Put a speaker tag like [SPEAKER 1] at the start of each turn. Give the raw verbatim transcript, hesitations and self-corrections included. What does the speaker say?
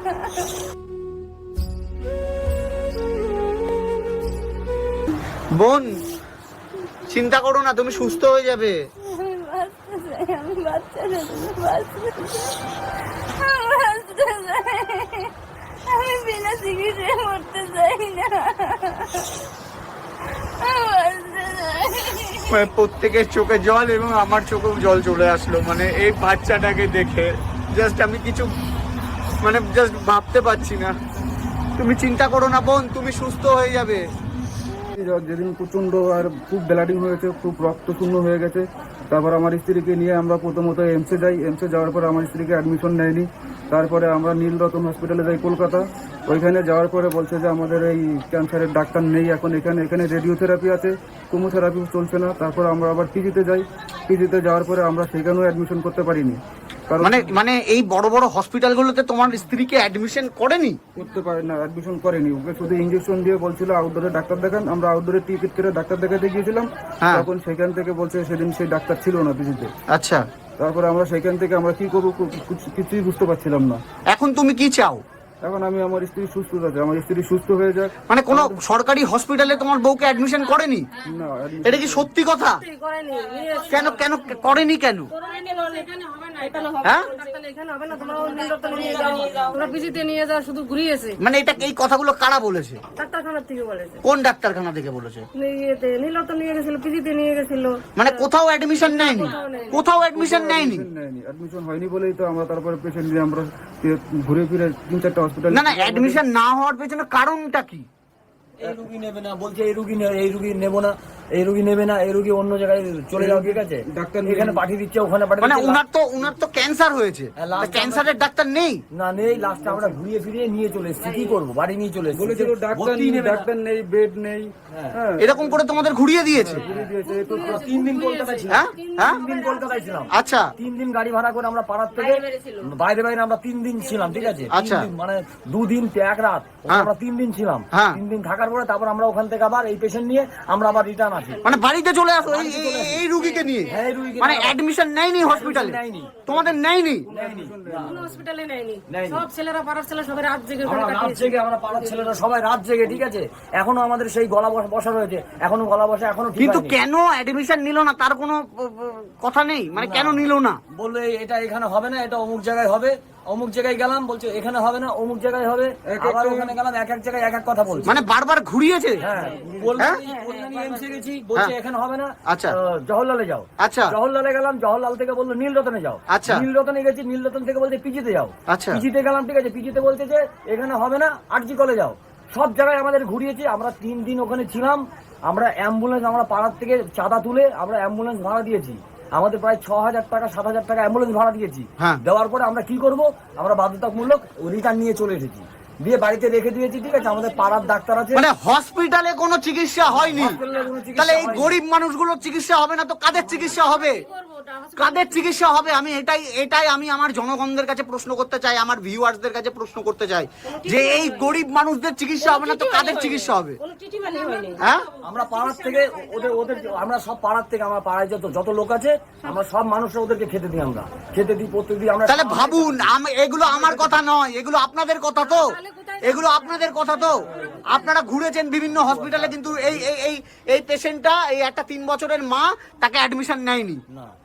[SPEAKER 1] বোন, চিন্তা করো না, তুমি সুস্থ হয়ে যাবে।
[SPEAKER 2] আমি বাচ্চা চাই, আমি বাচ্চা চাই, আমি বাচ্চা চাই, আমি বিনা চিকিৎসায় মরতে চাই না,
[SPEAKER 1] মানে প্রত্যেকের চোখে জল এবং আমার চোখেও জল চলে আসলো, মানে এই বাচ্চাটাকে দেখে জাস্ট আমি কিছু মানে জাস্ট ভাবতে পারছি না। তুমি চিন্তা করো না বোন, তুমি সুস্থ হয়ে যাবে।
[SPEAKER 3] যেদিন প্রচন্ড আর খুব ব্লাডিং হয়েছে, খুব রক্ত শূন্য হয়ে গেছে, তারপর আমার স্ত্রীকে নিয়ে আমরা প্রথমত এমসে যাই। এমসে যাওয়ার পরে আমার স্ত্রীকে অ্যাডমিশন নেয়নি। তারপরে আমরা নীলরতন হসপিটালে যাই কলকাতা। ওইখানে যাওয়ার পরে বলছে যে আমাদের এই ক্যান্সারের ডাক্তার নেই এখন এখানে, এখানে রেডিওথেরাপি আছে, কেমোথেরাপি চলছে না। তারপর আমরা আবার পিজিতে যাই। পিজিতে যাওয়ার পরে আমরা সেখানেও অ্যাডমিশন করতে পারিনি।
[SPEAKER 1] মানে মানে এই বড় বড় হসপিটালগুলোতে তোমার স্ত্রীকে অ্যাডমিশন করেনি?
[SPEAKER 3] করতে পারে না, অ্যাডমিশন করেনি। ওকে শুধু ইঞ্জেকশন দিয়ে বলছিল আউটডোরে ডাক্তার দেখান। আমরা আউটডোরে টিকিট করে ডাক্তার দেখাতে গিয়েছিলাম, তখন সেখান থেকে বলছে সেদিন সেই ডাক্তার ছিল না পিজিতে।
[SPEAKER 1] আচ্ছা,
[SPEAKER 3] তারপরে আমরা সেখান থেকে আমরা কি করবো কিছুই বুঝতে পারছিলাম না।
[SPEAKER 1] এখন তুমি কি চাও?
[SPEAKER 3] এখন আমি আমার স্ত্রী সুস্থ আছে, আমার স্ত্রী সুস্থ হয়ে যাক।
[SPEAKER 1] মানে কোনো সরকারি হসপিটালে তোমার বউকে অ্যাডমিশন করেনি?
[SPEAKER 3] না।
[SPEAKER 1] এটা কি সত্যি কথা? কেন কেন করেনি কেন? মানে এটা এই কথাগুলো কারা বলেছে?
[SPEAKER 2] ডাক্তারখানা থেকে বলেছে।
[SPEAKER 1] কোন ডাক্তারখানা থেকে বলেছে?
[SPEAKER 2] নীলরতন নিয়ে গেছিল, পিজিতে নিয়ে গেছিল।
[SPEAKER 1] মানে কোথাও অ্যাডমিশন নেয়নি? কোথাও অ্যাডমিশন নেয়নি?
[SPEAKER 3] অ্যাডমিশন হয়নি বলেই তো আমরা তারপরে পেশেন্ট নিয়ে আমরা ঘুরে ফিরে তিন চারটা হসপিটাল।
[SPEAKER 1] না না, অ্যাডমিশন না হওয়ার পেছনে কারণটা কি?
[SPEAKER 4] এই রুগী নেবে না বলছে, এই রুগী এই রুগী নেবো না, এই রুগী নেবে না, এই রুগী অন্য জায়গায় চলে যাও, ঠিক আছে,
[SPEAKER 3] ডাক্তার
[SPEAKER 4] এখানে পাঠিয়ে দিচ্ছে, ওখানে পাঠিয়ে
[SPEAKER 1] মানে
[SPEAKER 4] দিচ্ছে।
[SPEAKER 1] উনার তো উনার তো ক্যান্সার হয়েছে, ক্যান্সারের ডাক্তার নেই?
[SPEAKER 4] না নেই, লাস্টে আমরা ঘুরিয়ে ফিরিয়ে নিয়ে চলে এসেছি, কি করবো, বাড়ি নিয়ে চলে এসেছি।
[SPEAKER 3] বলেছিল ডাক্তার নেই, ডাক্তার নেই, বেড নেই।
[SPEAKER 1] হ্যাঁ, এরকম করে তোমাদের ঘুরিয়ে দিয়েছে?
[SPEAKER 4] তিন দিন কলকাতায় ছিলাম।
[SPEAKER 1] হ্যাঁ হ্যাঁ,
[SPEAKER 4] তিন দিন কলকাতায় ছিলাম।
[SPEAKER 1] আচ্ছা,
[SPEAKER 4] তিন দিন গাড়ি ভাড়া করে আমরা পাড়ার থেকে বাইরে বাইরে আমরা তিন দিন ছিলাম, ঠিক আছে।
[SPEAKER 1] আচ্ছা,
[SPEAKER 4] মানে দুদিন এক রাত আমরা তিন দিন ছিলাম। তিন দিন থাকার পরে তারপর আমরা ওখান থেকে আবার এই পেশেন্ট নিয়ে আমরা আবার রিটার্ন আসি।
[SPEAKER 1] মানে বাড়িতে চলে আসো এই রুগীকে নিয়ে? মানে অ্যাডমিশন নেয়নি হসপিটালে? তোমাদের নেয়নি?
[SPEAKER 2] কোনো হসপিটালে নেয়নি। সব ছেলেরা পাড়ার ছেলে সবাই রাত জেগে
[SPEAKER 4] রাত জেগে আমরা পাড়ার ছেলেরা সবাই রাত জেগে, ঠিক আছে। এখনো আমাদের সেই গলা বসা রয়েছে, এখনো গলা বসা এখনো।
[SPEAKER 1] কিন্তু কেন অ্যাডমিশন নিল না তার কোনো কথা নেই? মানে কেন নিল না?
[SPEAKER 4] বললে এটা এখানে হবে না, এটা অমুক জায়গায় হবে। অমুক জায়গায় গেলাম, বলছে এখানে হবে না, অমুক জায়গায় হবে। আবার ওখানে গেলাম, এক এক জায়গায় এক এক কথা বলছে।
[SPEAKER 1] মানে বারবার ঘুরিয়েছে?
[SPEAKER 4] হ্যাঁ, কল্যাণী এমসে গেছি, বলছে এখানে হবে না,
[SPEAKER 1] আচ্ছা
[SPEAKER 4] জওহরলালে যাও।
[SPEAKER 1] আচ্ছা,
[SPEAKER 4] জওহরলালে গেলাম, জওহরলাল থেকে বললো নীলরতনে যাও।
[SPEAKER 1] আচ্ছা,
[SPEAKER 4] নীলরতনে গেছি, নীলরতন থেকে বলছে পিজিতে যাও।
[SPEAKER 1] আচ্ছা,
[SPEAKER 4] পিজিতে গেলাম, ঠিক আছে, পিজিতে বলছে যে এখানে হবে না, আরজি কলে যাও। সব জায়গায় আমাদের ঘুরিয়েছি। আমরা তিন দিন ওখানে ছিলাম। আমরা অ্যাম্বুলেন্স, আমরা পাড়ার থেকে চাঁদা তুলে আমরা অ্যাম্বুলেন্স ভাড়া দিয়েছি। আমাদের প্রায় ছ হাজার টাকা সাত হাজার টাকা অ্যাম্বুলেন্স ভাড়া দিয়েছি। দেওয়ার পরে আমরা কি করব, আমরা বাধ্যতামূলক রিটার্ন নিয়ে চলে এসেছি, দিয়ে বাড়িতে রেখে দিয়েছি, ঠিক আছে। আমাদের পাড়ার ডাক্তার আছে।
[SPEAKER 1] মানে হসপিটালে কোনো চিকিৎসা হয়নি? তাহলে এই গরিব মানুষগুলোর চিকিৎসা হবে না তো কাদের চিকিৎসা হবে? কাদের চিকিৎসা হবে? আমি এটাই এটাই আমি আমার জনগণদের কাছে প্রশ্ন করতে চাই, আমার ভিউয়ার্সদের কাছে প্রশ্ন করতে চাই যে এই গরিব মানুষদের চিকিৎসা হবে না তো কাদের চিকিৎসা হবে? হ্যাঁ,
[SPEAKER 4] আমরা পাড়ার থেকে ওদের ওদের আমরা সব পাড়ার থেকে, আমার পাড়ায় যত যত লোক আছে আমরা সব মানুষরা ওদেরকে খেতে দিই, আমরা খেতে দিই প্রত্যেকদিন। আমরা
[SPEAKER 1] তাহলে ভাবুন, এগুলো আমার কথা নয়, এগুলো আপনাদের কথা তো, এগুলো আপনাদের কথা তো। আপনারা ঘুরেছেন বিভিন্ন হসপিটালে, কিন্তু এই এই এই পেশেন্টটা, এই একটা তিন বছরের মা, তাকে অ্যাডমিশন নেয়নি।